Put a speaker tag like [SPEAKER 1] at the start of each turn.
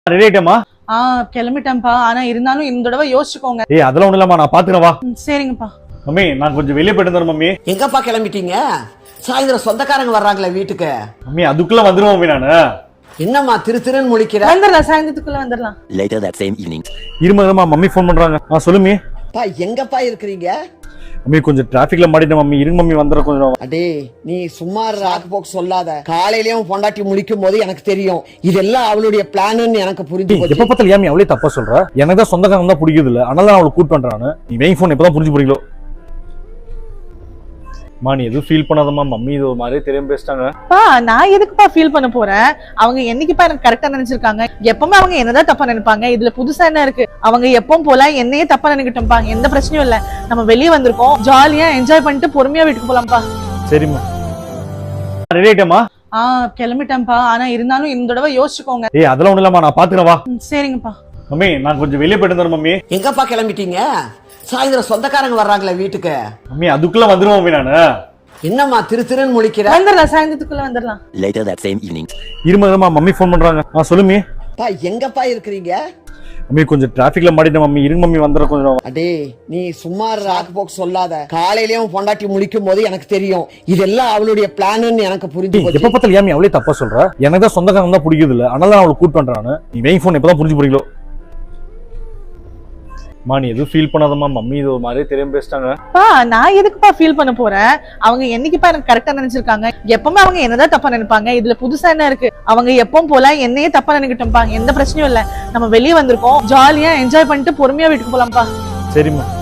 [SPEAKER 1] Ready ஆயிட்டமா?
[SPEAKER 2] கிளம்பிட்டேன்ப்பா. ஆனா இருந்தாலும் இந்த தடவை யோசிச்சுக்கோங்க.
[SPEAKER 1] ஏய் அதெல்லாம் ஒண்ணு இல்லம்மா, நான் பாத்துக்கிறேன் வா.
[SPEAKER 2] சரிங்கப்பா.
[SPEAKER 1] மம்மி நான் கொஞ்சம் வெளியே போயிட்டு வந்துறேன் மம்மி.
[SPEAKER 3] எங்கப்பா கிளம்பிட்டீங்க? சாயந்தரம் சொந்தக்காரங்க வர்றாங்களே வீட்டுக்கு.
[SPEAKER 1] மம்மி அதுக்குள்ள வந்துருவேன் மம்மி நானு.
[SPEAKER 3] என்னம்மா திருன்னு முழிக்கிற?
[SPEAKER 2] வந்துடலாம், சாயந்தரத்துக்குள்ள வந்துடலாம்.
[SPEAKER 4] Later that same evening.
[SPEAKER 1] இருமதமா மம்மி ஃபோன் பண்றாங்க. சொல்லு மம்மி.
[SPEAKER 3] பா எங்கப்பா இருக்கிறீங்க?
[SPEAKER 1] மம்மி கொஞ்சம் டிராபிக்ல மாட்டிட்டேன் மம்மி. இருங்க மம்மி வந்துற கொஞ்சம்.
[SPEAKER 3] அடே நீ சும்மா ராக்கு போக்கு சொல்லாத. காலையிலயும் பொண்டாட்டி முழிக்கும் போது எனக்கு தெரியும் இதெல்லாம் அவளுடைய பிளான்னு எனக்கு புரிஞ்சு போச்சு.
[SPEAKER 1] எப்ப பார்த்தாலும் ஏன் அவளே தப்பா சொல்ற? எனக்கு தான் சொந்தக்காரங்க தான் பிடிக்குது இல்ல, அதனால அவளை கூட்டு பண்றானு. நீ வெயிங் ஃபோன் எப்பதான் புரிஞ்சு போறீங்களோ? மா நீ எதுவும் ஃபீல் பண்ணாதம்மா. மம்மி இது ஒரு மாதிரியே தெரியாம பேசிட்டாங்க.
[SPEAKER 2] நான் எதுக்குப்பா ஃபீல் பண்ண போறேன்? அவங்க என்னைக்குப்பா எனக்கு கரெக்டா நினைச்சிருக்காங்க. எப்பவுமே அவங்க என்னதான் தப்பா நினைப்பாங்க. இதுல புதுசா என்ன இருக்கு? அவங்க எப்பவும் போல என்னையே தப்பா நினைக்கட்டும்பா. எந்த பிரச்சனையும் இல்ல. நம்ம வெளியே வந்திருக்கோம், ஜாலியா என்ஜாய் பண்ணிட்டு பொறுமையா வீட்டுக்கு போலாம்ப்பா.
[SPEAKER 1] சரிம்மா. ரெடி ஆயிட்டமா?
[SPEAKER 2] கிளம்பிட்டேன்ப்பா. ஆனா இருந்தாலும் இந்த தடவை யோசிச்சுக்கோங்க.
[SPEAKER 1] ஏய் அதெல்லாம் ஒண்ணு இல்லம்மா, நான் பாத்துக்கிறேன் வா.
[SPEAKER 2] சரிங்கப்பா.
[SPEAKER 1] மம்மி நான் கொஞ்சம் வெளியே போயிட்டு வந்துறேன் மம்மி.
[SPEAKER 3] எங்கப்பா கிளம்பிட்டீங்க? சாயந்தரம் சொந்தக்காரங்க வர்றாங்களே வீட்டுக்கு.
[SPEAKER 1] மம்மி அதுக்குள்ள வந்துருவேன் மம்மி நானு.
[SPEAKER 3] என்னம்மா திருன்னு முழிக்கிற?
[SPEAKER 2] வந்துடலாம், சாயந்தரத்துக்குள்ள வந்துடலாம்.
[SPEAKER 4] Later that same evening.
[SPEAKER 1] இருமதமா மம்மி ஃபோன் பண்றாங்க. சொல்லு மம்மி.
[SPEAKER 3] பா எங்கப்பா இருக்கிறீங்க?
[SPEAKER 1] மம்மி கொஞ்சம் டிராபிக்ல மாட்டிட்டேன் மம்மி. இருங்க மம்மி வந்துற கொஞ்சம்.
[SPEAKER 3] அடே நீ சும்மா ராக்கு போக்கு சொல்லாத. காலையிலயும் பொண்டாட்டி முழிக்கும் போது எனக்கு தெரியும் இதெல்லாம் அவளுடைய பிளான்னு எனக்கு புரிஞ்சு போச்சு.
[SPEAKER 1] எப்ப பார்த்தாலும் ஏன் அவளே தப்பா சொல்ற? எனக்கு தான் சொந்தக்காரங்க தான் பிடிக்குது இல்ல, அதனால அவளை கூட்டு பண்றானு. நீ வெயிங் ஃபோன் எப்பதான் புரிஞ்சு போறீங்களோ? மா நீ எதுவும் ஃபீல் பண்ணாதம்மா. மம்மி இது ஒரு மாதிரியே தெரியாம பேசிட்டாங்க.
[SPEAKER 2] நான் எதுக்குப்பா ஃபீல் பண்ண போறேன்? அவங்க என்னைக்குப்பா எனக்கு கரெக்டா நினைச்சிருக்காங்க. எப்பவுமே அவங்க என்னதான் தப்பா நினைப்பாங்க. இதுல புதுசா என்ன இருக்கு? அவங்க எப்பவும் போல என்னையே தப்பா நினைக்கட்டும்பா. எந்த பிரச்சனையும் இல்ல. நம்ம வெளியே வந்திருக்கோம், ஜாலியா என்ஜாய் பண்ணிட்டு பொறுமையா வீட்டுக்கு போலாம்ப்பா.
[SPEAKER 1] சரிம்மா.